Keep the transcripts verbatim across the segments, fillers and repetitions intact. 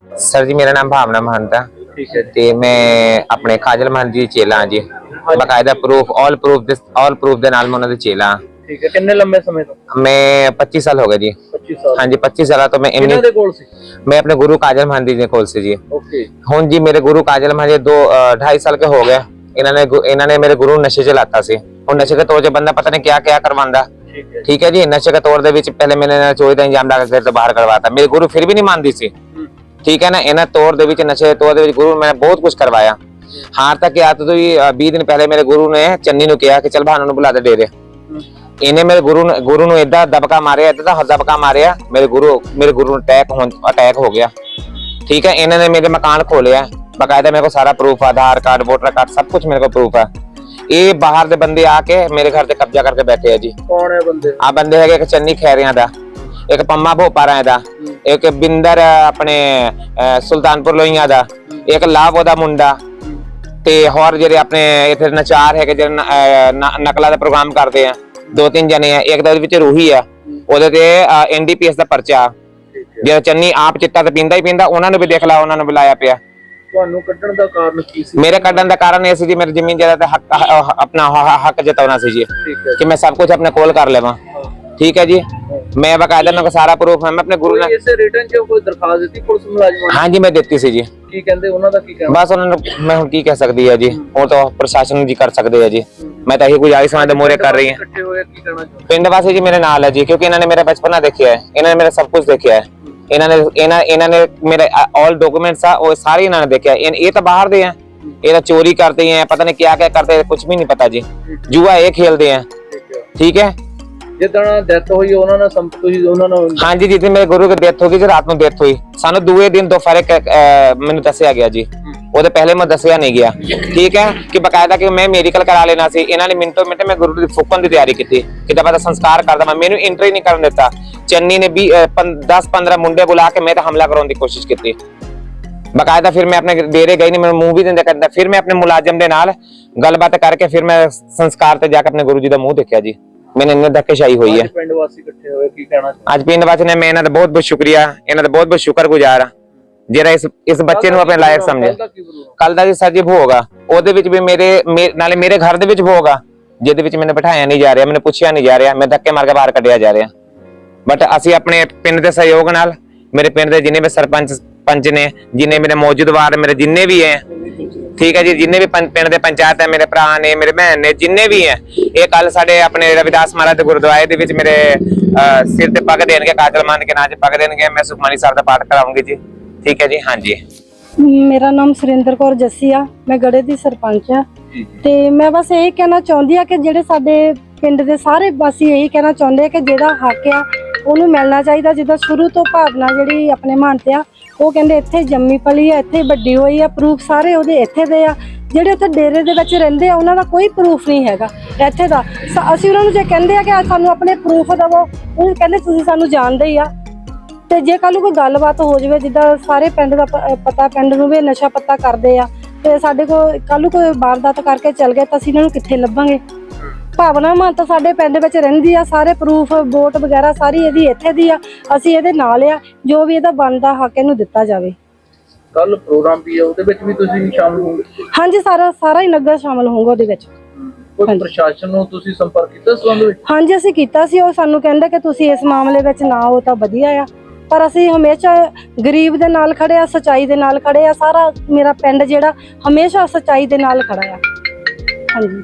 Sir जी मेरा नाम भावना महंत है। ठीक है ते मैं अपने काजल महंत जी चेला हाँ जी। बकायदा proof all proof this all proof दे नाल मैं उन्हां दे चेला। ठीक है कितने लंबे समय तो मैं पच्चीस साल हो गए जी। पच्चीस साल हाँ जी पच्चीस साल तो मैं किन्हां दे कोल सी? मैं अपने गुरु काजल महंत जी दे कोल से जी। ओके हुण जी मेरे गुरु काजल महंत जी दो ढाई साल के हो गए। इन्होंने इन्होंने मेरे गुरु नशे च लाता सी। हुण नशे के तौर च बंदा पता नहीं क्या क्या करवांदा। ठीक है जी नशे के तौर दे विच पहले मैंने चोरी दा इंजाम ला के घर तो बाहर करवाता। मेरे गुरु फिर भी नहीं मानदी सी। ठीक है ना इन्हें तौर दे विच नशे तौर दे विच गुरु मैंने बहुत कुछ करवाया। हार तक याद तो बीस दिन पहले मेरे गुरु ने चन्नी नु कहा कि चल भानु नु बुला दे डेरे। इन्हें मेरे गुरु गुरु नु इदा दबका मारे इदा दबका मारे मेरे गुरु मेरे गुरु अटैक अटैक हो गया। ठीक है इन्होंने मेरे मकान खोले बकायदा मेरे को सारा proof Aadhaar card voter card सब कुछ मेरे को प्रूफ है। ये बाहर दे बंदे आके मेरे घर से कब्जा करके बैठे है जी। कौन है बंदे? आ बंदे है एक चन्नी खैरिया दा एक पम्मा भोपारा दा एक बिंदर अपने सुल्तानपुर लोहिया दा एक लाभ ओदा मुंडा ते होर जेरे अपने इथे नचार है जेरे नकला दा प्रोग्राम करते हैं दो तीन जने हैं। एक दे विच रूही है ओदे ते एनडीपीएस दा पर्चा जे चन्नी आप चिट्टा ते पींदा ही पींदा उन्हां नु भी देख ला उन्हां नु बुलाया पिया। ਤੁਹਾਨੂੰ ਕੱਢਣ ਦਾ ਕਾਰਨ ਕੀ ਸੀ? मेरे ਕੱਢਣ ਦਾ ਕਾਰਨ ਇਹ ਸੀ ਜੀ मेरी ਜ਼ਮੀਨ जायदाद ਤੇ हक अपना हक जताना सी जी कि मैं सब कुछ अपने कोल कर लेवा। ठीक है जी मैं बकायदा मेरे को सारा प्रूफ है। मैं अपने गुरु ने इसे रिटर्न ਚ ਕੋਈ ਦਰਖਾਸਤ ਦਿੱਤੀ ਪੁਲਿਸ ਮੁਲਾਜ਼ਮਾਂ ਨੇ? हाँ जी मैं देती सी जी। ਕੀ ਕਹਿੰਦੇ ਉਹਨਾਂ ਦਾ ਕੀ ਕਹਿਣਾ? बस उन्होंने मैं हुण की कह सकदी है जी वो तो प्रशासन जी कर सकदे है जी। मैं तो यही गुजारिश उन्हां दे मोहरे कर रही है। ਇਕੱਠੇ ਹੋਏ ਕੀ ਕਹਿਣਾ ਚਾਹੁੰਦੇ? पिंड वासी जी मेरे नाल है जी क्योंकि इन्होंने मेरा बचपना देखा है इन्होंने मेरा सब कुछ देखा है। इन्होंने इन्होंने इन्होंने मेरे ऑल डॉक्यूमेंट्स वो सारे इन्होंने देखे हैं। ये तो बाहर दे हैं ये तो चोरी करते हैं पता नहीं क्या क्या करते हैं कुछ भी नहीं पता जी। जुआ ये खेलते हैं। ठीक है ਜਿੱਦਣ ਡੈਥ ਹੋਈ ਉਹਨਾਂ ਨਾਲ ਸੰਪਰਕ ਤੁਸੀਂ ਉਹਨਾਂ ਨਾਲ? हाँ जी जिस मेरे गुरु की डेथ होगी जी रात में डेथ हुई सानू दूसरे दिन दोपहर मैंने दसिया गया जी ਉਹਦੇ ਪਹਿਲੇ ਮੈਂ ਦੱਸਿਆ ਨਹੀਂ ਗਿਆ। ठीक है कि बकायदा कि मैं मेडिकल करा लेना सी ਇਹਨਾਂ ਨੇ ਮਿੰਟੋ ਮਿੰਟ ਮੈਂ ਗੁਰੂ ਦੀ ਫੂਕਣ ਦੀ ਤਿਆਰੀ ਕੀਤੀ ਕਿ ਤਾਂ ਪਤਾ ਸੰਸਕਾਰ ਕਰਦਾ ਮੈਂ ਮੈਨੂੰ ਐਂਟਰੀ ਨਹੀਂ ਕਰਨ ਦਿੱਤਾ। ਚੰਨੀ ਨੇ भी दस पंद्रह मुंडे बुला के मैं तो हमला कराने की कोशिश की। बकायदा फिर मैं अपने डेरे गई नहीं मैं मुंह भी नहीं करता फिर मैं अपने मुलाजिम के नाल गलबात करके फिर मैं संस्कार ते जाके अपने गुरु जी का मुंह देखा जी। मैंने इन्हें धक्केशाही हुई है। पिंड वासी इकट्ठे होए की कहना आज पिंड वासी ने मैं इन्हां दा बहुत बहुत शुक्रिया इन्हां दा बहुत बहुत शुक्रगुजार हां जेड़ा इस इस बच्चे नु अपने लायक समझे। कल दा जी सर जी भोग आ ओदे विच भी मेरे नाले मेरे घर दे विच भोग आ जिहदे विच मैंने बिठाया नहीं जा रहा मैंने पूछया नहीं जा रहा मैं धक्के मार के बाहर कढिया जा रहा। बट असी अपने पिंड के सहयोग नाल मेरे पिंड के जिन्ने भी सरपंच पंच ने जिन्ने मेरे मौजूदवार मेरे जिन्ने भी हैं ठीक है जी जिन्ने भी पिंड के पंचायत है मेरे भरा ने मेरे भैन ने जिन्ने भी हैं ये कल साडे अपने रविदास महाराज के गुरुद्वारे दे विच मेरे सिर ते पग देणगे काजल मान के नाम च पग देणगे मैं सुखमनी साहब दा पाठ कराऊंगी जी। ठीक है जी हाँ जी मेरा नाम सुरेंद्र कौर जस्सी आ मैं गड़े दी सरपंच आ ते मैं बस यही कहना चाहती हाँ कि जेडे साडे पिंड दे सारे वासी यही कहना चाहते कि जेड़ा हक आ ਉਹਨੂੰ ਮਿਲਣਾ ਚਾਹੀਦਾ। ਜਿੱਦਾਂ ਸ਼ੁਰੂ ਤੋਂ ਭਾਵਨਾ ਜਿਹੜੀ ਆਪਣੇ ਮਨ ਤੇ ਆ ਉਹ ਕਹਿੰਦੇ ਇੱਥੇ ਜੰਮੀ ਪਲੀ ਆ ਇੱਥੇ ਵੱਡੀ ਹੋਈ ਆ ਪ੍ਰੂਫ ਸਾਰੇ ਉਹਦੇ ਇੱਥੇ ਦੇ ਆ। ਜਿਹੜੇ ਉੱਥੇ ਡੇਰੇ ਦੇ ਵਿੱਚ ਰਹਿੰਦੇ ਆ ਉਹਨਾਂ ਦਾ ਕੋਈ ਪ੍ਰੂਫ ਨਹੀਂ ਹੈਗਾ ਇੱਥੇ ਦਾ। ਅਸੀਂ ਉਹਨਾਂ ਨੂੰ ਜੇ ਕਹਿੰਦੇ ਆ ਕਿ ਸਾਨੂੰ ਆਪਣੇ ਪ੍ਰੂਫ ਦੇਵੋ ਉਹ ਕਹਿੰਦੇ ਤੁਸੀਂ ਸਾਨੂੰ ਜਾਣਦੇ ਹੀ ਆ। ਤੇ ਜੇ ਕੱਲ ਨੂੰ ਕੋਈ ਗੱਲਬਾਤ ਹੋ ਜਾਵੇ ਜਿੱਦਾਂ ਸਾਰੇ ਪਿੰਡ ਦਾ ਪਤਾ ਪਿੰਡ ਨੂੰ ਵੀ ਨਸ਼ਾ ਪੱਤਾ ਕਰਦੇ ਆ ਤੇ ਸਾਡੇ ਕੋਲ ਕੱਲ ਨੂੰ ਕੋਈ ਵਾਰਦਾਤ ਕਰਕੇ ਚੱਲ ਗਏ ਤਾਂ ਅਸੀਂ ਇਹਨਾਂ ਨੂੰ ਕਿੱਥੇ ਲੱਭਾਂਗੇ। ਭਾਵਨਾ ਮਾਨ ਤਾਂ ਸਾਡੇ ਪਿੰਡ ਵਿੱਚ ਰਹਿੰਦੀ ਆ ਸਾਰੇ ਪ੍ਰੂਫ ਵੋਟ ਵਗੈਰਾ ਸਾਰੀ ਇਹਦੀ ਇੱਥੇ ਦੀ ਆ ਅਸੀਂ ਇਹਦੇ ਨਾਲ ਆ ਜੋ ਵੀ ਇਹਦਾ ਬਣਦਾ ਹੱਕ ਇਹਨੂੰ ਦਿੱਤਾ ਜਾਵੇ। ਕੱਲ ਪ੍ਰੋਗਰਾਮ ਵੀ ਹੈ ਉਹਦੇ ਵਿੱਚ ਵੀ ਤੁਸੀਂ ਸ਼ਾਮਲ ਹੋਵੋਗੇ? ਹਾਂਜੀ ਸਾਰਾ ਸਾਰਾ ਹੀ ਨਗਰ ਸ਼ਾਮਲ ਹੋਊਗਾ ਉਹਦੇ ਵਿੱਚ। ਕੋਈ ਪ੍ਰਸ਼ਾਸਨ ਨੂੰ ਤੁਸੀਂ ਸੰਪਰਕ ਕੀਤਾ ਇਸ ਸੰਬੰਧ ਵਿੱਚ? ਹਾਂਜੀ ਅਸੀਂ ਕੀਤਾ ਸੀ ਉਹ ਸਾਨੂੰ ਕਹਿੰਦੇ ਕਿ ਤੁਸੀਂ ਇਸ ਮਾਮਲੇ ਵਿੱਚ ਨਾ ਹੋ ਤਾਂ ਵਧੀਆ ਆ ਪਰ ਅਸੀਂ ਹਮੇਸ਼ਾ ਗਰੀਬ ਦੇ ਨਾਲ ਖੜੇ ਆ ਸੱਚਾਈ ਦੇ ਨਾਲ ਖੜੇ ਆ। ਸਾਰਾ ਮੇਰਾ ਪਿੰਡ ਜਿਹੜਾ ਹਮੇਸ਼ਾ ਸੱਚਾਈ ਦੇ ਨਾਲ ਖੜਾ ਆ। ਹਾਂਜੀ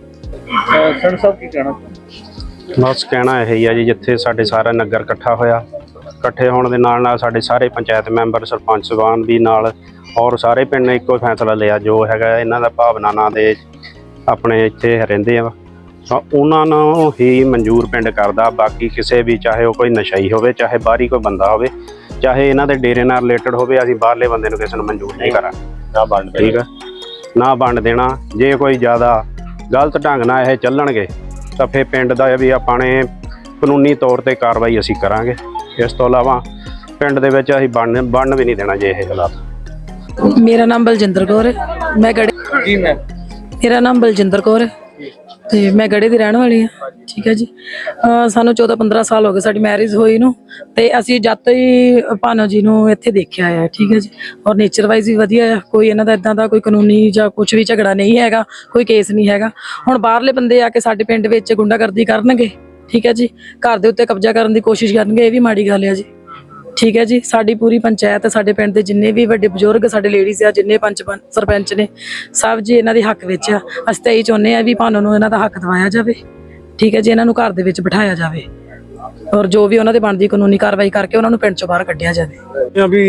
ਸਰ ਸਾਹਿਬ ਕੀ ਕਹਿਣਾ? ਬਸ ਕਹਿਣਾ ਇਹ ਹੀ ਆ ਜੀ ਜਿੱਥੇ ਸਾਡੇ ਸਾਰਾ ਨਗਰ ਇਕੱਠਾ ਹੋਇਆ ਇਕੱਠੇ ਹੋਣ ਦੇ ਨਾਲ ਨਾਲ ਸਾਡੇ ਸਾਰੇ ਪੰਚਾਇਤ ਮੈਂਬਰ ਸਰਪੰਚ ਸਾਹਿਬਾਨ ਵੀ ਨਾਲ ਔਰ ਸਾਰੇ ਪਿੰਡ ਨੇ ਇੱਕੋ ਫੈਸਲਾ ਲਿਆ ਜੋ ਹੈਗਾ ਇਹਨਾਂ ਦਾ ਭਾਵਨਾ ਨਾਂ ਦੇ ਆਪਣੇ ਇੱਥੇ ਰਹਿੰਦੇ ਆ ਉਹਨਾਂ ਨੂੰ ਹੀ ਮਨਜ਼ੂਰ ਪਿੰਡ ਕਰਦਾ। ਬਾਕੀ ਕਿਸੇ ਵੀ ਚਾਹੇ ਉਹ ਕੋਈ ਨਸ਼ਈ ਹੋਵੇ ਚਾਹੇ ਬਾਹਰੀ ਕੋਈ ਬੰਦਾ ਹੋਵੇ ਚਾਹੇ ਇਹਨਾਂ ਦੇ ਡੇਰੇ ਨਾਲ ਰਿਲੇਟਡ ਹੋਵੇ ਅਸੀਂ ਬਾਹਰਲੇ ਬੰਦੇ ਨੂੰ ਕਿਸੇ ਨੂੰ ਮਨਜ਼ੂਰ ਨਹੀਂ ਕਰਾਂਗੇ ਨਾ ਵੰਡ ਠੀਕ ਆ ਨਾ ਵੰਡ ਦੇਣਾ। ਜੇ ਕੋਈ ਜ਼ਿਆਦਾ ਗਲਤ ਢੰਗ ਨਾਲ ਇਹ ਚੱਲਣਗੇ ਤਾਂ ਫਿਰ ਪਿੰਡ ਦਾ ਵੀ ਆਪਾਂ ਨੇ ਕਾਨੂੰਨੀ ਤੌਰ ਤੇ ਕਾਰਵਾਈ ਅਸੀਂ ਕਰਾਂਗੇ। ਇਸ ਤੋਂ ਇਲਾਵਾ ਪਿੰਡ ਦੇ ਵਿੱਚ ਅਸੀਂ ਬਣਨ ਬਣਨ ਵੀ ਨਹੀਂ ਦੇਣਾ ਜੇ ਇਹ ਹਾਲਾਤ। ਮੇਰਾ ਨਾਮ ਬਲਜਿੰਦਰ ਕੌਰ ਹੈ ਮੈਂ ਗੜੇ ਜੀ ਮੈਂ ਮੇਰਾ ਨਾਮ ਬਲਜਿੰਦਰ ਕੌਰ ਹੈ ਤੇ ਮੈਂ ਗੜੇ ਦੀ ਰਹਿਣ ਵਾਲੀ ਹਾਂ। ਠੀਕ ਹੈ ਜੀ। ਅਹ ਸਾਨੂੰ ਚੌਦਾਂ ਪੰਦਰਾਂ ਸਾਲ ਹੋ ਗਏ ਸਾਡੀ ਮੈਰਿਜ ਹੋਈ ਨੂੰ, ਤੇ ਅਸੀਂ ਜਦ ਤੋਂ ਹੀ ਭਾਨੋ ਜੀ ਨੂੰ ਇੱਥੇ ਦੇਖਿਆ ਹੈ, ਠੀਕ ਹੈ ਜੀ। ਔਰ ਨੇਚਰ ਵਾਈਜ਼ ਵੀ ਵਧੀਆ ਹੈ, ਕੋਈ ਇਹਨਾਂ ਦਾ ਇਦਾਂ ਦਾ ਕੋਈ ਕਾਨੂੰਨੀ ਜਾਂ ਕੁਝ ਵੀ ਝਗੜਾ ਨਹੀਂ ਹੈਗਾ, ਕੋਈ ਕੇਸ ਨਹੀਂ ਹੈਗਾ। ਹੁਣ ਬਾਹਰਲੇ ਬੰਦੇ ਆ ਕੇ ਸਾਡੇ ਪਿੰਡ ਵਿੱਚ ਗੁੰਡਾਗਰਦੀ ਕਰਨਗੇ, ਠੀਕ ਹੈ ਜੀ, ਘਰ ਦੇ ਉੱਤੇ ਕਬਜ਼ਾ ਕਰਨ ਦੀ ਕੋਸ਼ਿਸ਼ ਕਰਨਗੇ, ਇਹ ਵੀ ਮਾੜੀ ਗੱਲ ਹੈ ਜੀ, ਠੀਕ ਹੈ ਜੀ। ਸਾਡੀ ਪੂਰੀ ਪੰਚਾਇਤ, ਸਾਡੇ ਪਿੰਡ ਦੇ ਜਿੰਨੇ ਵੀ ਵੱਡੇ ਬਜ਼ੁਰਗ, ਸਾਡੇ ਲੇਡੀਜ਼ ਆ, ਜਿੰਨੇ ਪੰਚ ਪੰ- ਸਰਪੰਚ ਨੇ, ਸਭ ਜੀ ਇਹਨਾਂ ਦੇ ਹੱਕ ਵਿੱਚ ਆ। ਅਸੀਂ ਤਾਂ ਇਹੀ ਚਾਹੁੰਦੇ ਆ ਵੀ ਭਾਨੋ ਨੂੰ ਇਹਨਾਂ ਦਾ ਹੱਕ ਦਿਵਾਇਆ ਜਾਵੇ, ਠੀਕ ਹੈ ਜੀ, ਇਹਨਾਂ ਨੂੰ ਘਰ ਦੇ ਵਿੱਚ ਬਿਠਾਇਆ ਜਾਵੇ, ਔਰ ਜੋ ਵੀ ਉਹਨਾਂ ਦੇ ਬਣਦੀ ਕਾਨੂੰਨੀ ਕਾਰਵਾਈ ਕਰਕੇ ਉਹਨਾਂ ਨੂੰ ਪਿੰਡ ਚੋਂ ਬਾਹਰ ਕੱਢਿਆ ਜਾਵੇ। ਇਹ ਆ ਵੀ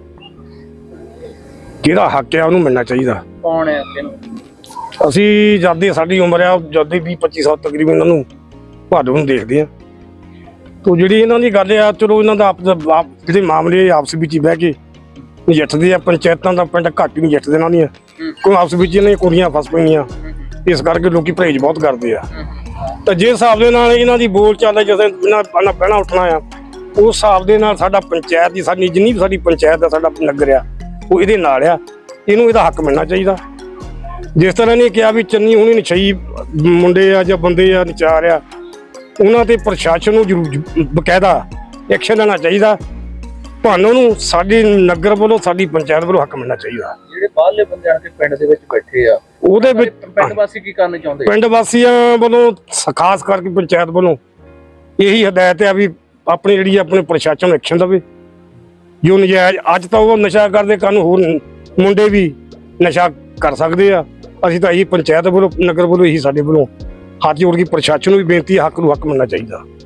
ਜਿਹੜਾ ਹੱਕ ਆ ਉਹਨੂੰ ਮਿਲਣਾ ਚਾਹੀਦਾ। ਕੌਣ ਹੈ ਕਿਹਨੂੰ? ਅਸੀਂ ਜਦ ਦੀ ਸਾਡੀ ਉਮਰ ਆ, ਜਦ ਦੀ ਵੀਹ ਪੱਚੀ ਸਾਲ ਤਕਰੀਬਨ ਇਹਨਾਂ ਨੂੰ ਭਾਦੋ ਨੂੰ ਦੇਖਦੇ ਆ। ਤੋ ਜਿਹੜੀ ਇਹਨਾਂ ਦੀ ਗੱਲ ਆ, ਚਲੋ ਇਹਨਾਂ ਦਾ ਆਪਸ ਆਪ ਜਿਹੜੇ ਮਾਮਲੇ ਆਪਸ ਵਿੱਚ ਹੀ ਬਹਿ ਕੇ ਨਜਿੱਠਦੇ ਆ। ਪੰਚਾਇਤਾਂ ਦਾ ਪਿੰਡ ਘੱਟ ਹੀ ਨਜਿੱਠਦੇ ਇਹਨਾਂ ਦੀਆਂ, ਕੋਈ ਆਪਸ ਵਿੱਚ ਇਹਨਾਂ ਦੀਆਂ ਕੁੜੀਆਂ ਫਸ ਪਈਆਂ, ਇਸ ਕਰਕੇ ਲੋਕੀ ਪਰਹੇਜ ਬਹੁਤ ਕਰਦੇ ਆ। ਤਾਂ ਜੇ ਹਿਸਾਬ ਦੇ ਨਾਲ ਇਹਨਾਂ ਦੀ ਬੋਲ ਚਾਲ ਜਦੋਂ ਇਹਨਾਂ ਪਹਿਲਾਂ ਪਹਿਲਾਂ ਉੱਠਣਾ ਆ, ਉਸ ਹਿਸਾਬ ਦੇ ਨਾਲ ਸਾਡਾ ਪੰਚਾਇਤ ਦੀ ਸਾਡੀ ਜਿੰਨੀ ਵੀ ਸਾਡੀ ਪੰਚਾਇਤ ਦਾ ਸਾਡਾ ਨਗਰ ਆ, ਉਹ ਇਹਦੇ ਨਾਲ ਆ। ਇਹਨੂੰ ਇਹਦਾ ਹੱਕ ਮਿਲਣਾ ਚਾਹੀਦਾ। ਜਿਸ ਤਰ੍ਹਾਂ ਨੇ ਕਿਹਾ ਵੀ ਚੰਨੀ ਹੁਣੀ ਨਸ਼ਈ ਮੁੰਡੇ ਆ ਜਾਂ ਬੰਦੇ ਆ, ਨਚਾਰ ਆ, ਉਹਨਾਂ ਤੇ ਪ੍ਰਸ਼ਾਸਨ ਨੂੰ ਜ਼ਰੂਰ ਬਕਾਇਦਾ ਐਕਸ਼ਨ ਲੈਣਾ ਚਾਹੀਦਾ। ਭਾਨੋ ਨੂੰ ਸਾਡੇ ਨਗਰ ਵੱਲੋਂ, ਸਾਡੀ ਪੰਚਾਇਤ ਵੱਲੋਂ ਹੱਕ ਮਿਲਣਾ ਚਾਹੀਦਾ। ਜਿਹੜੇ ਬਾਹਰਲੇ ਬੰਦੇ ਆ ਕੇ ਪਿੰਡ ਦੇ ਵਿੱਚ ਬੈਠੇ ਆ, ਉਹਦੇ ਵਿੱਚ ਪਿੰਡ ਵਾਸੀ ਕੀ ਕਰਨਾ ਚਾਹੁੰਦੇ? ਪਿੰਡ ਵਾਸੀਆਂ ਵੱਲੋਂ ਖਾਸ ਕਰਕੇ ਪੰਚਾਇਤ ਵੱਲੋਂ ਇਹੀ ਹਦਾਇਤ ਆ ਵੀ ਆਪਣੀ ਜਿਹੜੀ ਆਪਣੇ ਪ੍ਰਸ਼ਾਸਨ ਨੂੰ ਐਕਸ਼ਨ ਦੇਵੇ। ਜੋ ਨਜਾਇਜ਼ ਅੱਜ ਤਾਂ ਉਹ ਨਸ਼ਾ ਕਰਦੇ, ਕੱਲ੍ਹ ਨੂੰ ਹੋਰ ਮੁੰਡੇ ਵੀ ਨਸ਼ਾ ਕਰ ਸਕਦੇ ਆ। ਅਸੀਂ ਤਾਂ ਇਹੀ ਪੰਚਾਇਤ ਵੱਲੋਂ, ਨਗਰ ਵੱਲੋਂ, ਇਹੀ ਸਾਡੇ ਵੱਲੋਂ ਹੱਥ ਜੋੜ ਕੇ ਪ੍ਰਸ਼ਾਸਨ ਨੂੰ ਵੀ ਬੇਨਤੀ ਹੈ, ਹੱਕ ਨੂੰ ਹੱਕ ਮਿਲਣਾ ਚਾਹੀਦਾ।